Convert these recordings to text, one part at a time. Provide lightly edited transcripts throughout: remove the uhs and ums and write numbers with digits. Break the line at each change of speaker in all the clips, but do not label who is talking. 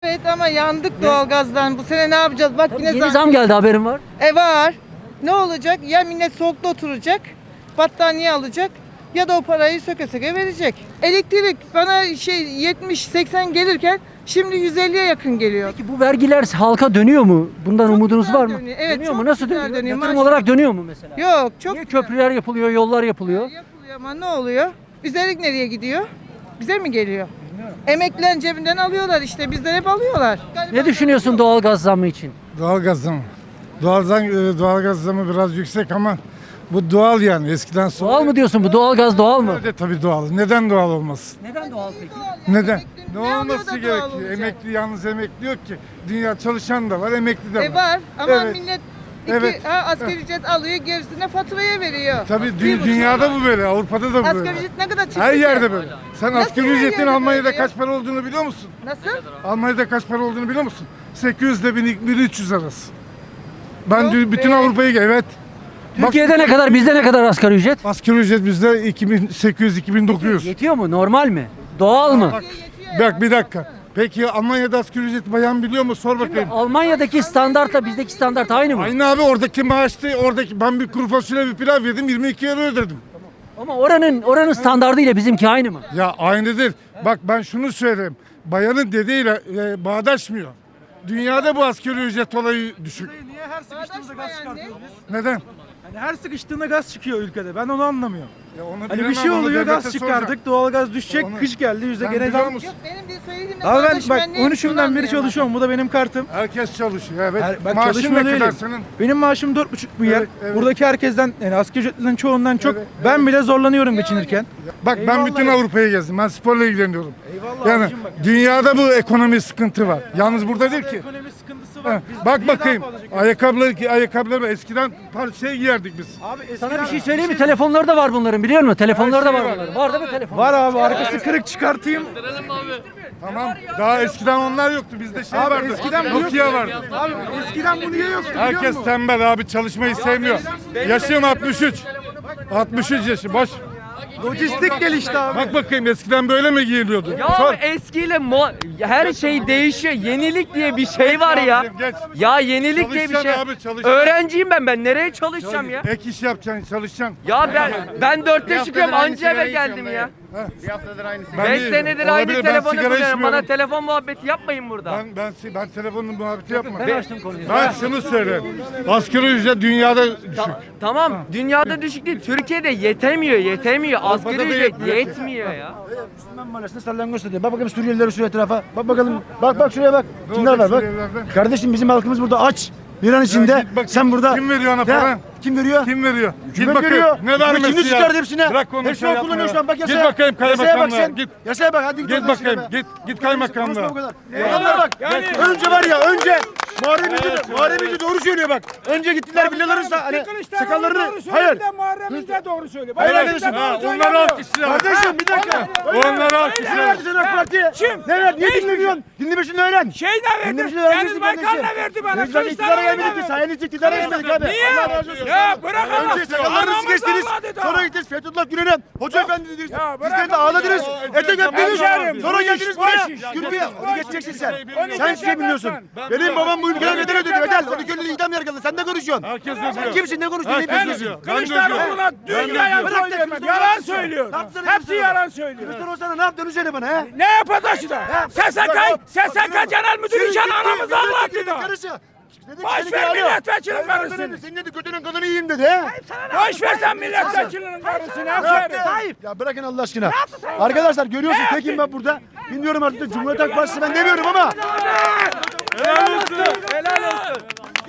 Evet ama yandık doğalgazdan. Bu sene ne yapacağız? Bak yine
Yeni zam geldi, haberin var.
Var. Ne olacak? Ya millet soğukta oturacak, battaniye alacak ya da o parayı söke söke verecek. Elektrik bana 70-80 gelirken şimdi 150'ye yakın geliyor.
Peki bu vergiler halka dönüyor mu? Bundan
Çok
umudunuz
güzel
var mı?
dönüyor. Evet,
dönüyor
çok
mu? Nasıl
güzel
dönüyor?
dönüyor.
Yatırım
Maşallah.
olarak dönüyor mu mesela?
Yok çok
Niye
güzel.
köprüler yapılıyor, yollar yapılıyor?
Yapılıyor ama ne oluyor? Üstelik nereye gidiyor? Bize mi geliyor? Emeklilerin cebinden alıyorlar işte. Bizden hep alıyorlar.
Ne düşünüyorsun doğalgaz zammı için?
Doğalgaz zamı. Doğalgaz zamı biraz yüksek ama bu doğal yani eskiden sonra.
Doğal mı diyorsun bu? Doğalgaz doğal mı?
Evet tabii doğal. neden doğal olmasın?
Neden doğal peki?
Neden?
Emekli
Ne
alıyor
olması
da doğal
gerekiyor?
olacak?
Emekli yalnız emekli yok ki. Dünya çalışan da var, emekli de var.
Var ama
Evet.
millet
Evet.
asgari ücret alıyor, gerisine faturaya veriyor.
Tabii
Bir buçuk.
dünyada bu böyle, Avrupa'da da bu böyle.
Asgari ücret ne kadar çıktı
Her
ki?
yerde böyle. Sen
Nasıl
asgari
her
ücretin
yerde
Almanya'da
böyle ya?
kaç para olduğunu biliyor musun?
Nasıl?
Almanya'da kaç para olduğunu biliyor musun? 800 ile 1300 arası. Ben
Yok
bütün
be.
Avrupa'yı evet.
Türkiye'de ne kadar, bizde ne kadar asgari ücret?
Asgari ücret bizde 2800-2900.
Yetiyor mu? Normal mi? Doğal mı?
Bak bir dakika. Peki Almanya'da asgari ücret bayan biliyor mu? Sor bakayım.
Almanya'daki standartla bizdeki standart aynı mı?
Aynı abi oradaki maaştı. Oradaki ben bir kuru fasulye bir pilav yedim 22 euro ödedim.
Ama oranın standardı ile bizimki aynı mı?
Ya aynı değil. Bak ben şunu söyleyeyim. Bayanın dediğiyle bağdaşmıyor. Dünyada bu asgari ücret olayı düşük.
Niye her sıkıştığımızda gaz çıkartıyoruz biz?
Neden?
Hani her sıkıştığında gaz çıkıyor ülkede. Ben onu anlamıyorum.
Ya onu
Hani
bilemem,
bir şey
onu
oluyor,
devlete
gaz
soracağım.
çıkardık, doğalgaz düşecek,
Onu-
kış geldi, yüzde
Sen
gene
biliyor
zam.
musun?
Yok benim bir söylediğimle
Abi ben
bağdaşmayan
bak
neymiş
13'ümden
onu
beri
anlayamam.
çalışıyorum. Bu da benim kartım.
Herkes çalışıyor evet.
Bak
Maaşın
çalışmıyor
ne kadar
değilim.
senin?
Benim maaşım 4,5 milyar.
Evet, evet.
Buradaki herkesten, yani asgari ücretlilerin çoğundan çok
Evet,
ben bile zorlanıyorum geçinirken.
Bak ben
Eyvallah
bütün
ya.
Avrupa'yı gezdim. Ben sporla ilgileniyorum.
Eyvallah
Yani
abicim bak.
dünyada bu ekonomi sıkıntı var. Yalnız burada değil ki.
Ekonomi sıkıntısı
Heh,
var. Biz
bak
niye daha
bakayım.
fazla çekiyoruz?
Ayakkabıları eskiden giyerdik biz.
Abi
Sana
eskiden
bir şey söyleyeyim mi? Telefonları da var bunların, biliyor musun? Telefonları da
Her
var
şey var.
bunların. Var değil mi telefon?
var abi, arkası kırık çıkartayım.
Tamam. Daha eskiden onlar yoktu. Bizde
Abi
vardı.
eskiden bu
Nokia vardı.
Abi eskiden bu niye yoktu biliyor
Herkes
musun?
tembel abi çalışmayı sevmiyor. Yaşım 63. 63 yaşı. Boş.
Lojistik gelişti abi.
Bak bakayım eskiden böyle mi giyiliyordu?
Ya
Sor.
eskiyle her şey değişiyor. Yenilik diye bir şey var ya.
Geç.
Ya yenilik diye bir şey.
Çalışacaksın abi, çalışacaksın.
Öğrenciyim ben nereye çalışacağım ya?
Ek iş yapacaksın, çalışacaksın.
Ya ben 4'te çıkıyorum anca eve geldim ya.
Ben
5
değilim.
senedir
Olabilir,
aynı
ben
telefonu
sigara
kullanıyorum.
içmiyorum.
Bana telefon muhabbeti yapmayın burada.
Ben telefonun muhabbeti yapmam.
Ben açtım konuyu.
Ben şunu söyleyeyim. Asgari ücret dünyada düşük.
Tamam dünyada düşük değil. Türkiye'de yetemiyor. Asgari
da
ücret
yetmiyor ki.
yetmiyor ya.
Müslüman mahallesinde salyangoz satıyor. Bak bakayım Suriyelileri şu etrafa. Bak bakalım. Bak şuraya bak. Kimler
olacak
var bak.
Suriyelilerden?
Kardeşim bizim halkımız burada aç. Bir an içinde.
git bakayım.
Sen burada.
Kim veriyor ona
Ya,
para?
Kim veriyor?
Kim veriyor?
Kim
Git bakayım.
veriyor?
Ne vermesi
Şimdi
ya?
çıkardı hepsine.
Bırak onu.
Hepsini o kullanıyor şu an. Bak
Git
yasaya.
bakayım
Yasaya bak
kaymakamlığa.
sen.
Git.
Yasaya bak. Hadi
Git bakayım. Git kaymakamlığa.
Adamlar bak. Önce var ya önce Muharrem İnce doğru söylüyor bak. Önce gittiler villaların hani sakallarını. Hayır.
Muharrem İnce doğru söylüyor.
Hayır
Evet.
arkadaşım.
Ha, onları alkışlayalım.
Kardeşim bir dakika.
Onları
Ne
alkışlayalım.
verdi sen AK Parti'ye?
Kim?
Ne verdi? Niye dinlemiyorsun? Dinleme şunu öğren.
Şey ne verdi?
Dinleme şunu öğren.
Deniz Baykal'la verdi bana.
Biz iktidara gelmedik ki. Sayenizde iktidara gelmedik abi.
Niye?
Allah razı olsun.
Ya bırak Allah.
Önce sakallarınızı
Aramız
geçtiniz.
Allah dedi.
Sonra gittiniz Fethullah Gülen'e. Hoca efendi dediniz.
Ya bırak
Sizden de
Allah
ağladınız.
ya.
Etek öptünüz.
Hemşerim,
Sonra
bu
geldiniz
iş,
buraya.
bu iş.
Gürbüye. Onu geçeceksin sen.
Onu
Sen hiçbir şey bilmiyorsun. Benim babam bu ülkeye bedel ödedi. Bedel. Onu köylü idam yargıladı. Sen ne konuşuyorsun?
Herkes
Sen
ödüyor.
kimsin? Ne konuşuyorsun? Ne
Herkes
biliyorsun?
ödüyor. Ben de
Kılıçdaroğlu'na
ödüyorum.
dünyaya
Bırak da
söyleyemem.
Kılıçdaroğlu
Yalan
yapsın.
söylüyor.
Ne yapsın
Hepsi
Kılıçdaroğlu?
yalan söylüyor.
Kılıçdaroğlu sana ne yaptı? Onu söyle bana he.
Ne yapacak da? SSK Genel Müdürü için anamızı ağlattı da.
Karısı.
Boş ver milletvekilinin karısını.
Senin dedi götünün kadını yiyeyim dedi he.
Boş ver sen milletvekilinin karısını. Hemşerim.
Ya bırakın Allah aşkına. Arkadaşlar görüyorsun tekim ben burada. Bilmiyorum artık da Cumhuriyet Halk Partisi ben demiyorum ama.
Helal olsun.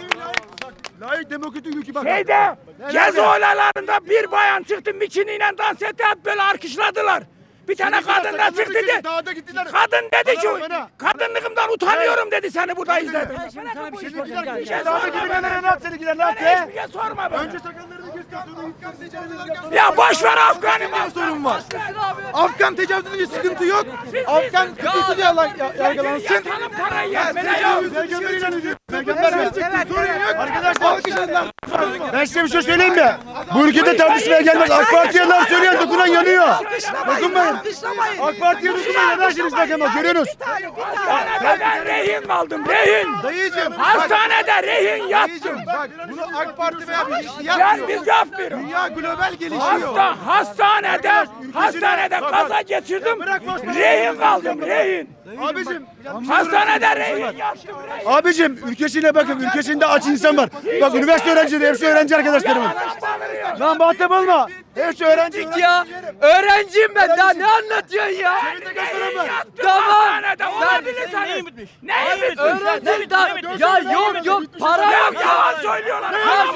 Layık demokratik ülke bak.
Şeyde gezi olaylarında bir bayan çıktı mikiniyle dans etti hep böyle alkışladılar. Bir tane kadın da çıktı dedi.
Dağda gittiler.
Kadın dedi ki
Bana.
kadınlığımdan utanıyorum dedi seni burada izledim.
Sana bir şey
Gittiler.
soracağım.
şey
Dağda gidenlere ne yaptı? Seninkiler ne yaptı?
Hiçbir şey sorma bana.
Önce sakallarını kes sonra
Ya boş ver Afgan'ı.
sorun var. Afgan tecavüzünde bir sıkıntı yok. Afgan tutuksuz yargılansın.
Yatalım parayı yemene yok.
Arkadaşlar ben size bir şey söyleyeyim mi? Bu ülkede tartışmaya gelmez. AK Parti'ye laf söyleyen dokunan yanıyor. Dokunmayın. AK Parti'ye dokunmayın. Yanarsınız bak ama görüyorsunuz.
Hastanede ben rehin kaldım, rehin.
Dayıcım.
Hastanede rehin yattım.
Dayıcım bak bunu AK Parti veya bir kişi
Ben
yapmıyor.
biz yapmıyoruz.
Dünya global gelişiyor.
Hastanede kaza geçirdim. Rehin kaldım, rehin.
Abicim.
Hastanede rehin yattım.
Abicim ülkesine bakın. Ülkesinde aç insan var. Bak üniversite öğrencileri hepsi öğrenci arkadaşlarımın. Lan muhatap olma. Hepsi öğrenci.
Ya öğrenciyim ben daha ne anlatıyorsun ya? Tamam.
Hastanede olabilir senin. Neyi bitmiş?
Öğrenciyim daha. Ya yok para yok ya.
Yalan söylüyorlar.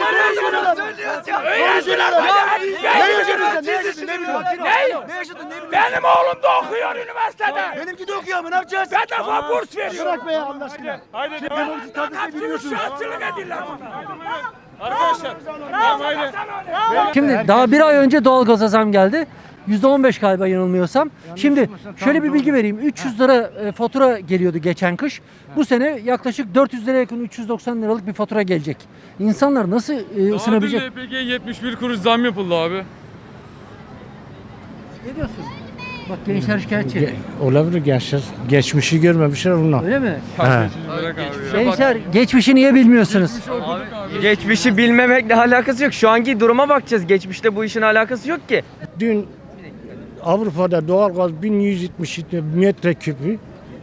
Ne yaşadın sen? Ne yaşadın? Ne biliyorsun?
Benim oğlum da okuyor üniversitede.
Benimki de okuyor ama ne yapacağız?
Bedava burs veriyor.
Bırak be ya Allah aşkına. Haydi. Demokrasi tartışmayı bilmiyorsunuz.
Şahsılık ediyorlar.
Şimdi daha bir ay önce doğalgaza zam geldi. %15 galiba yanılmıyorsam. Şimdi şöyle bir bilgi vereyim. 300 lira fatura geliyordu geçen kış. Bu sene yaklaşık 400 liraya yakın 390 liralık bir fatura gelecek. İnsanlar nasıl ısınabilecek?
LPG 71 kuruş zam yapıldı abi.
Ne diyorsun? Bak gençler şikayetçi.
Olabilir gençler. Geçmişi görmemişler onlar.
Öyle mi?
Bırak abi ya.
Gençler geçmişi niye bilmiyorsunuz?
Geçmişi bilmemekle alakası yok. Şu anki duruma bakacağız. Geçmişte bu işin alakası yok ki.
Dün Avrupa'da doğalgaz 1170 metreküpü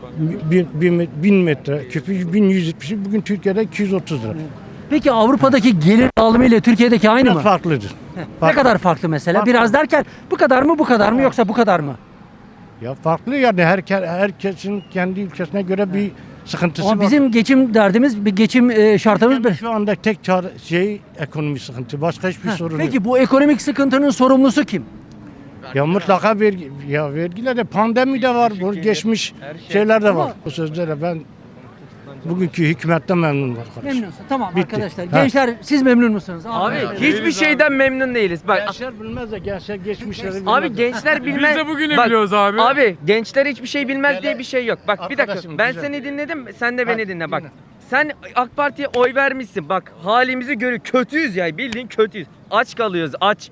1000 metre küpü 1170, bugün Türkiye'de 230 lira.
Peki Avrupa'daki gelir dağılımı ile Türkiye'deki aynı mı?
Farklıdır.
Ne kadar farklı mesela?
Farklı.
Biraz derken bu kadar mı bu kadar mı yoksa bu kadar mı?
Ya farklı yani herkesin kendi ülkesine göre bir sıkıntısı
Ama
var.
bizim geçim derdimiz, bir geçim şartımız bir.
Şu anda tek çare ekonomi sıkıntı. Başka hiçbir sorun yok.
Peki bu ekonomik sıkıntının sorumlusu kim?
Ya mutlaka vergiler de, pandemi de var, bu geçmiş şeyler de var. Bu sözlere ben bugünkü hükümetten memnunum arkadaşlar.
Memnunsun. Tamam
Bitti.
arkadaşlar.
Ha.
Gençler siz memnun musunuz?
Abi hiçbir şeyden memnun değiliz. Bak
Gençler bilmez de gençler geçmişleri bilmez.
abi gençler bilmez.
Biz de bugünü
Bak,
biliyoruz abi.
Abi gençler hiçbir şey bilmez diye bir şey yok. Bak bir dakika.
Arkadaşım,
Ben
güzel.
seni dinledim. Sen de beni dinle bak.
dinle.
Sen AK Parti'ye oy vermişsin. Bak halimizi görüyor. Kötüyüz ya. Bildiğin kötüyüz. Aç kalıyoruz. Aç.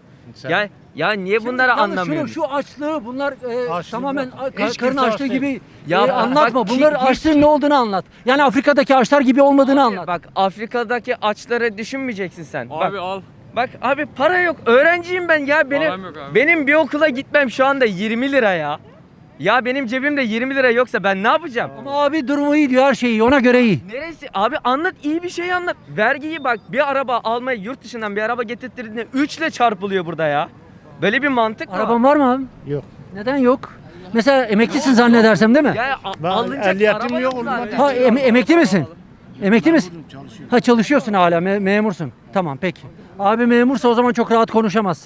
Ya niye bunları
Yalnız
anlamıyoruz?
Şu açlığı bunlar
Açlık
tamamen
yok. Hiç
karın
kimse
açlığı
aç değil.
gibi
Ya bak,
anlatma.
ki-
Bunların
hiç-
açlığın ne olduğunu anlat. Yani Afrika'daki açlar gibi olmadığını anlat.
Bak Afrika'daki açları düşünmeyeceksin sen.
Abi
Bak,
al.
bak abi para yok. Öğrenciyim ben ya.
Param yok abi.
Benim bir okula gitmem şu anda 20 lira ya. Ya benim cebimde 20 lira yoksa ben ne yapacağım?
Ama abi durumu iyi diyor, her şey iyi, ona göre iyi.
Neresi? Abi anlat, iyi bir şey anlat. Vergiyi bak, bir araba almaya yurt dışından bir araba getirttiğinde 3 ile çarpılıyor burada ya. Böyle bir mantık mı?
Araban var mı abi?
Yok.
Neden yok? Mesela emeklisin zannedersem değil mi?
Ya
Ben
alınacak
ehliyetim
araba
yok,
yok
ondan
zaten.
Ha emekli misin? Emekli misin? Ha çalışıyorsun hala, memursun. Tamam peki. Abi memursa o zaman çok rahat konuşamaz.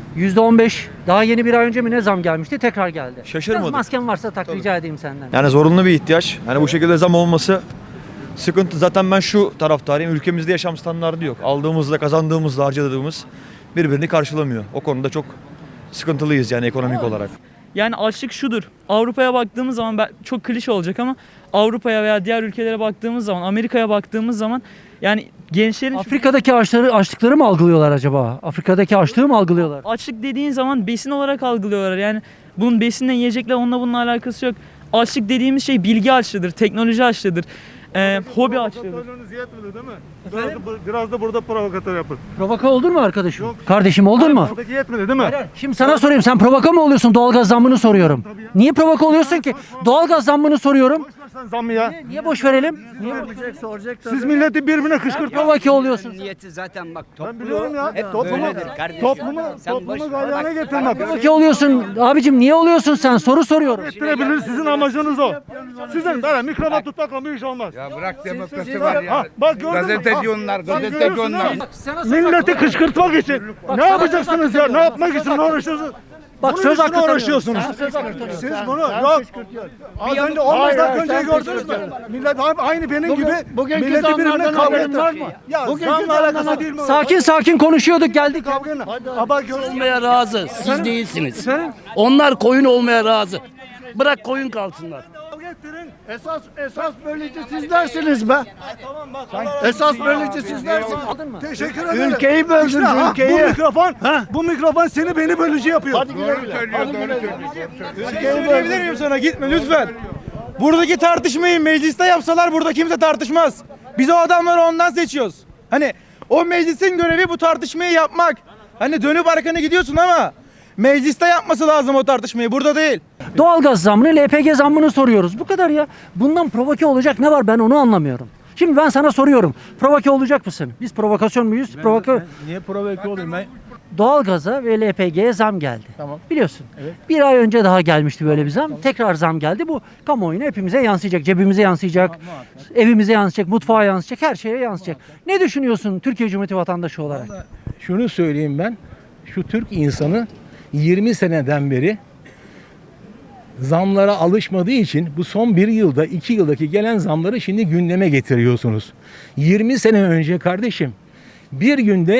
%15 daha yeni bir ay önce mi ne zam gelmişti, tekrar geldi.
Şaşırmadım.
Biraz masken varsa tak, rica edeyim senden.
Yani zorunlu bir ihtiyaç. Yani bu şekilde zam olması sıkıntı. Zaten ben şu taraftarıyım. Ülkemizde yaşam standardı yok. Aldığımızla, kazandığımızla, harcadığımız birbirini karşılamıyor. O konuda çok sıkıntılıyız yani ekonomik olarak.
Yani açlık şudur. Avrupa'ya baktığımız zaman çok klişe olacak ama Avrupa'ya veya diğer ülkelere baktığımız zaman, Amerika'ya baktığımız zaman yani gençlerin
Afrika'daki açlıkları mı algılıyorlar acaba? Afrika'daki açlığı mı algılıyorlar?
açlık dediğin zaman besin olarak algılıyorlar. Yani bunun besinle yiyecekle onunla bununla alakası yok. Açlık dediğimiz şey bilgi açlığıdır, teknoloji açlığıdır, hobi açlığıdır.
Yetmedi değil mi? Biraz da burada provokatör yapın.
Provoka oldun mu arkadaşım? Kardeşim oldun mu?
Buradaki yetmedi değil mi?
Şimdi sana sorayım, sen provoka mı oluyorsun, doğalgaz zammını soruyorum. Niye provoka oluyorsun ki? Doğalgaz zammını soruyorum.
Sen zammı ya.
Niye boş verelim? Niye
Siz milleti birbirine kışkırtma.
provoke oluyorsun?
Niyeti zaten bak
Ben biliyorum ya.
hep
Toplumu galeyana getirmek.
Provoke oluyorsun. Abicim niye oluyorsun sen? Soru soruyorum.
Ettirebilir, sizin amacınız o. Sizin böyle mikrofon tutmakla bir iş olmaz.
Ya bırak demokrasi var ya.
Ha, bak gördün mü?
Gazeteci onlar, gazeteci onlar.
Milleti kışkırtmak için. Ne yapacaksınız ya? Ne yapmak için uğraşıyorsunuz?
Bak
Bunun
söz
için
hakkı tanıyorum.
uğraşıyorsunuz.
Sen söz hakkı tanıyorsun.
Siz bunu yok. Az önce 15 dakika önce gördünüz mü? Millet aynı benim gibi milleti birbirine kavga ettiler. Ya zamla alakası değil mi?
Sakin konuşuyorduk, geldik.
Kavganın. Ama
olmaya razı. Siz değilsiniz. Onlar koyun olmaya razı. Bırak koyun kalsınlar.
Devletlerin esas bölücü sizlersiniz be. Esas bölücü sizlersiniz.
Aldın mı?
Teşekkür ederim.
Ülkeyi böldünüz,
İşte, ha,
ülkeyi.
Bu mikrofon seni beni bölücü yapıyor. Hadi güle güle.
Söyleyebilir miyim sana? Gitme lütfen. Buradaki tartışmayı mecliste yapsalar burada kimse tartışmaz. Biz o adamları ondan seçiyoruz. Hani o meclisin görevi bu tartışmayı yapmak. Hani dönüp arkana gidiyorsun ama mecliste yapması lazım o tartışmayı. Burada değil.
Doğalgaz zammını, LPG zammını soruyoruz. Bu kadar ya. Bundan provoke olacak ne var ben onu anlamıyorum. Şimdi ben sana soruyorum. Provoke olacak mısın? Biz provokasyon muyuz?
Niye provoke olayım ben?
Doğalgaza ve LPG'ye zam geldi.
Tamam.
Biliyorsun. Bir ay önce daha gelmişti böyle bir zam. Tekrar zam geldi. Bu kamuoyuna hepimize yansıyacak. Cebimize yansıyacak. Evimize yansıyacak. Mutfağa yansıyacak. Her şeye yansıyacak. Ne düşünüyorsun Türkiye Cumhuriyeti vatandaşı olarak?
Şunu söyleyeyim ben. Şu Türk insanı 20 seneden beri zamlara alışmadığı için bu son 1 yılda 2 yıldaki gelen zamları şimdi gündeme getiriyorsunuz. 20 sene önce kardeşim bir günde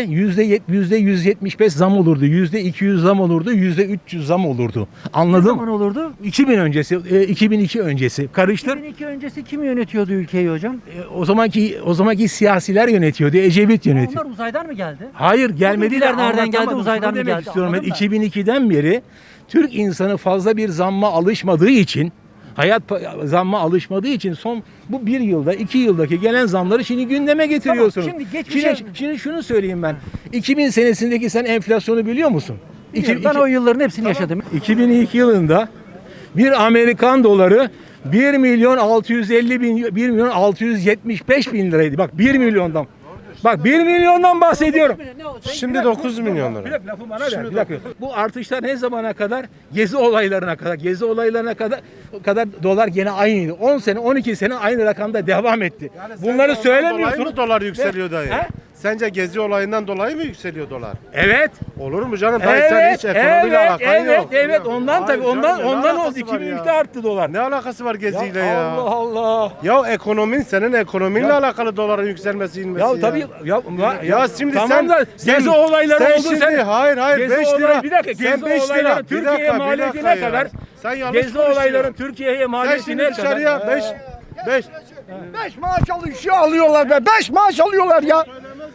%175 zam olurdu, %200 zam olurdu, %300 zam olurdu.
Ne
Anladın
zaman
mı?
olurdu?
2000 öncesi, 2002 öncesi. Karıştır.
2002 öncesi kim yönetiyordu ülkeyi hocam?
O zamanki siyasiler yönetiyordu, Ecevit yönetiyor.
Onlar uzaydan mı geldi?
Hayır gelmediler.
bilgiler nereden geldi,
Anlatamadım.
uzaydan
Şunu
mı
demek
geldi?
istiyorum. Ben
Anladın mı?
2002'den beri Türk insanı fazla bir zamma alışmadığı için zamma alışmadığı için son bu 1 yılda 2 yıldaki gelen zamları şimdi gündeme getiriyorsunuz.
Tamam, şimdi geçmişe-
Şimdi şunu söyleyeyim ben. 2000 senesindeki sen enflasyonu biliyor musun?
Ben o yılların hepsini yaşadım.
2002 yılında bir Amerikan doları 1 milyon 650 bin 1 milyon 675 bin liraydı. Bak 1 milyondan. Bak 1 milyondan bahsediyorum.
Şimdi 9 milyon lira.
Bir dakika lafı bana ver. Bir dakika. Bu artışlar ne zamana kadar? Gezi olaylarına kadar. Gezi olaylarına kadar dolar gene aynıydı. 10 sene 12 sene aynı rakamda devam etti. Bunları söylemiyorsunuz.
Dolar yükseliyor dayı.
He?
Sence gezi olayından dolayı mı yükseliyor dolar?
Evet.
Olur mu canım? Dayı sen hiç ekonomiyle alakan yok.
Evet. Ondan
Hayır
tabii
canım,
ondan
ne
ondan oldu.
alakası var
2003'te
ya?
arttı dolar.
Ne alakası var geziyle ya?
Allah Allah.
Ya senin ekonominle alakalı doların yükselmesi inmesi
Ya tabii
Ya şimdi
tamam
sen
da gezi olayları
sen
oldu
şimdi
sen.
hayır
Gezi
5 lira.
olayı- bir dakika,
Sen
gezi
5 lira.
olayları
Bir
Türkiye'ye
dakika, bir
maliyeti
dakika
ne
ya.
kadar?
Sen yanlış
Gezi
konuşuyorsun.
olayların Türkiye'ye
Sen
maliyeti
şimdi
ne kadar?
dışarıya 5
5 maaş alıyorlar be. 5 maaş alıyorlar ya.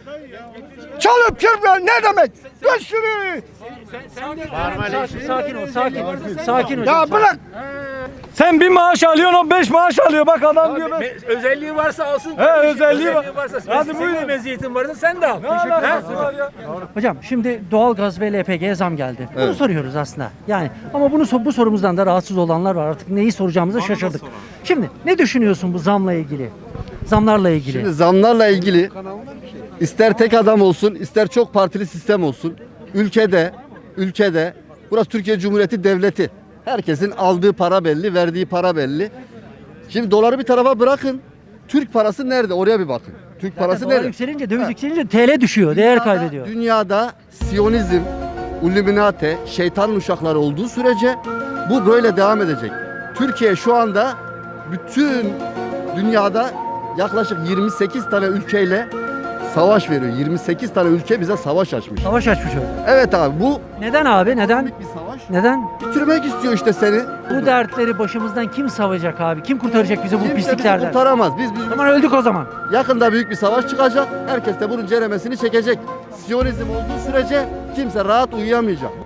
Çalıp çırpıyor ne demek? Bir sürü.
Sakin ol.
Ya bırak.
Sen bir maaş alıyorsun, o 5 maaş alıyor. Bak adam diyor ben.
Özelliği varsa alsın.
Özelliği var.
varsa.
Hadi buyurun.
Senin meziyetin varsa sen de al.
Hocam şimdi doğalgaz ve LPG'ye zam geldi. Bunu soruyoruz aslında. Yani ama bu sorumuzdan da rahatsız olanlar var. Artık neyi soracağımızı şaşırdık. Şimdi ne düşünüyorsun bu zamla ilgili? Zamlarla ilgili.
Şimdi zamlarla ilgili ister tek adam olsun, ister çok partili sistem olsun. Ülkede burası Türkiye Cumhuriyeti Devleti. Herkesin aldığı para belli, verdiği para belli. Şimdi doları bir tarafa bırakın. Türk parası nerede? Oraya bir bakın. Türk parası
Dolar
nerede?
yükselince, döviz yükselince TL düşüyor, değer kaybediyor.
Dünyada Siyonizm, Illuminati, şeytanın uşakları olduğu sürece bu böyle devam edecek. Türkiye şu anda bütün dünyada yaklaşık 28 tane ülkeyle savaş veriyor. 28 tane ülke bize savaş açmış.
Savaş açmış o.
Evet abi bu
Neden abi? Neden?
bir savaş.
Neden?
Bitirmek istiyor işte seni.
Bu dertleri başımızdan kim savacak abi? Kim kurtaracak bizi bu
Kimse bizi
pisliklerden?
kurtaramaz.
O zaman öldük o zaman.
Yakında büyük bir savaş çıkacak. Herkes de bunun ceremesini çekecek. Siyonizm olduğu sürece kimse rahat uyuyamayacak.